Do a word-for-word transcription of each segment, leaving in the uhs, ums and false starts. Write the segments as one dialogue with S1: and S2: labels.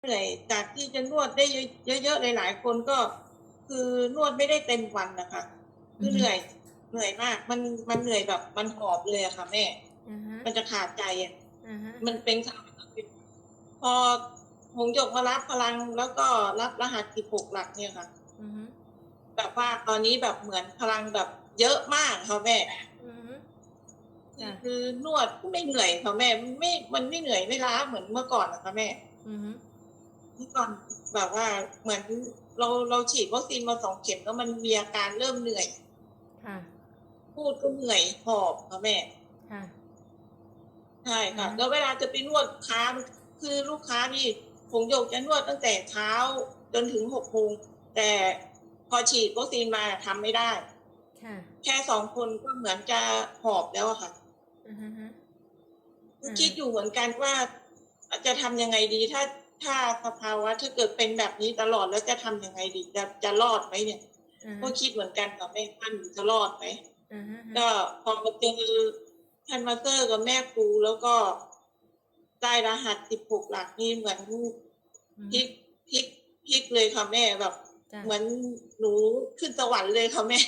S1: เหนื่อยจากที่จะนวดได้เยอะๆหลายๆคนก็คือนวดไม่ได้เต็มวันนะคะคือเหนื่อยเหนื่อยมากมันมันเหนื่อยแบบมันหอบเลยอะค่ะแม่มันจะขาดใจอะมันเป็นพอหงหยกมารับพลังแล้วก็รับรหัสสิบหกหลักเนี่ยค่ะแบบว่าตอนนี้แบบเหมือนพลังแบบเยอะมากค่ะแม่คือนวดไม่เหนื่อยค่ะแม่ไม่มันไม่เหนื่อยไม่ล้าเหมือนเมื่อก่อนนะคะแม่เมื่อก่อนแบบว่าเหมือนเราเราฉีดวัคซีนมาสองเข็มแล้วมันมีอาการเริ่มเหนื่อยพูดก็เหนื่อยหอบค่ะแม่ใช่ค่ะแล้วเวลาจะไปนวดค้าคือลูกค้านี่หงหยกจะนวดตั้งแต่เช้าจนถึงหกโมงแต่พอฉีดวัคซีนมาทำไม่ได้แค่สองคนก็เหมือนจะหอบแล้วอะค่ะคิดอยู่เหมือนกันว่าจะทำยังไงดีถ้าถ้าสภาวะถ้าเกิดเป็นแบบนี้ตลอดแล้วจะทำยังไงดีจะจะรอดไหมเนี่ยก็คิดเหมือนกันกับแม่ท่านจะรอดไหมก็พอมาเจอท่านมาสเตอร์กับแม่ครูแล้วก็ได้รหัสสิบหกหลักนี่เหมือนพลิกพลิกพลิกเลยค่ะแม่แบบเหมือนหนูขึ้นสวรรค์เลยค่ะแม่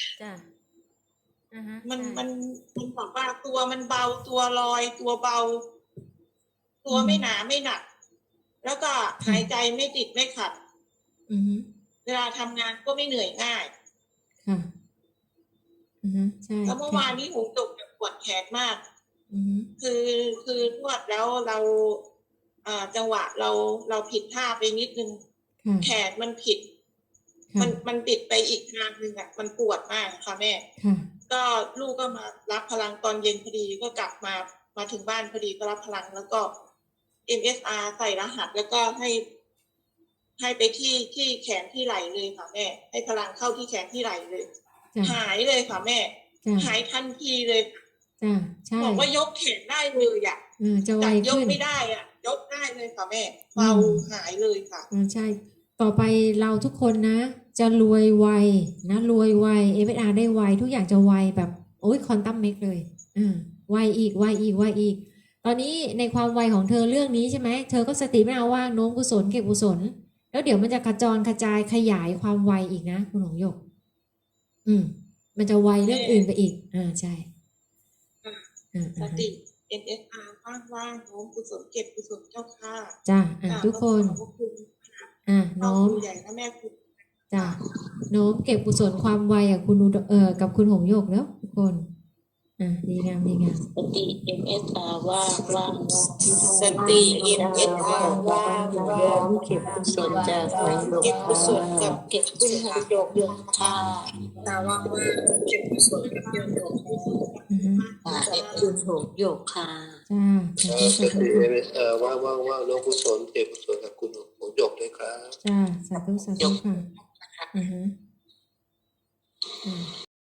S1: มันมันมันบอกว่าตัวมันเบาตัวลอยตัวเบาตัวไม่หนาไม่หนักแล้วก็หายใจไม่ติดไม่ขัดเวลาทำงานก็ไม่เหนื่อยง่ายค่ะใช่แล้วเมื่อวานนี้หูตกแบบปวดแขนมากคือคือนวดแล้วเราจังหวะเราเราผิดท่าไปนิดนึงแขนมันผิดมันมันปิดไปอีกทางหนึ่งอ่ะมันปวดมากค่ะแม่ก็ลูกก็มารับพลังตอนเย็นพอดีก็กลับมามาถึงบ้านพอดีก็รับพลังแล้วก็ เอ็ม เอส อาร์ ใส่รหัสแล้วก็ให้ให้ไปที่ที่แขนที่ไหล่เลยค่ะแม่ให้พลังเข้าที่แขนที่ไหล่เลยหายเลยค่ะแม่หายทันทีเลยจ้ะใช่บอกว่ายกแขนได้เลยอ่ะจะไวขึ้นยกไม่ได้อ่ะยกได้เลยค่ะแม่เบาหายเลยค่ะใช่ต่อไปเราทุกคนนะจะรวยไวนะรวยไว เอฟ เอส อาร์ ได้ไวทุกอย่างจะไวแบบโอ้ยควอนตัมเมกเลยอ่าไวอีกไวอีกไวอีกตอนนี้ในความไวของเธอเรื่องนี้ใช่ไหมเธอก็สติไม่เอาว่างโน้มกุศลเก็บกุศลแล้วเดี๋ยวมันจะกระจรกระจายขยายความไวอีกนะคุณหงหยกอืมมันจะไวเรื่องอื่นไปอีกอ่าใช่สติ เอ็ม เอส อาร์ ว่างๆโน้มกุศลเก็บกุศลเจ้าค่ะจ้าอ่าทุกคนอ่าโน้มใหญ่นะแม่คุณจ้าโน้มเก็บกุศลความไวอ่ะคุณเอ่อกับคุณหงหยกแล้วทุกคนอ่าดีงามดีงาม
S2: สติ เอ็ม เอส อาร์ ว่างว่าง
S1: สติ เอ็ม เอส อาร์ ว่างว่าง
S2: เก็บกุศลจากหงหยก
S1: เก็บกุศลกับเก็บคุณหงหยกยง
S2: ค่ะ
S1: ตาว่างว่างเก็บกุศลกับยงหยก
S2: เก็บคุณหงหยกค่ะ
S3: จ้าสติ เอ็ม เอส อาร์ ว่างว่างว่างน้องกุศลเก็บกุศลกับคุณหงหยกด้วยครับ
S1: จ้าสาธุสาธุค่ะอือฮึ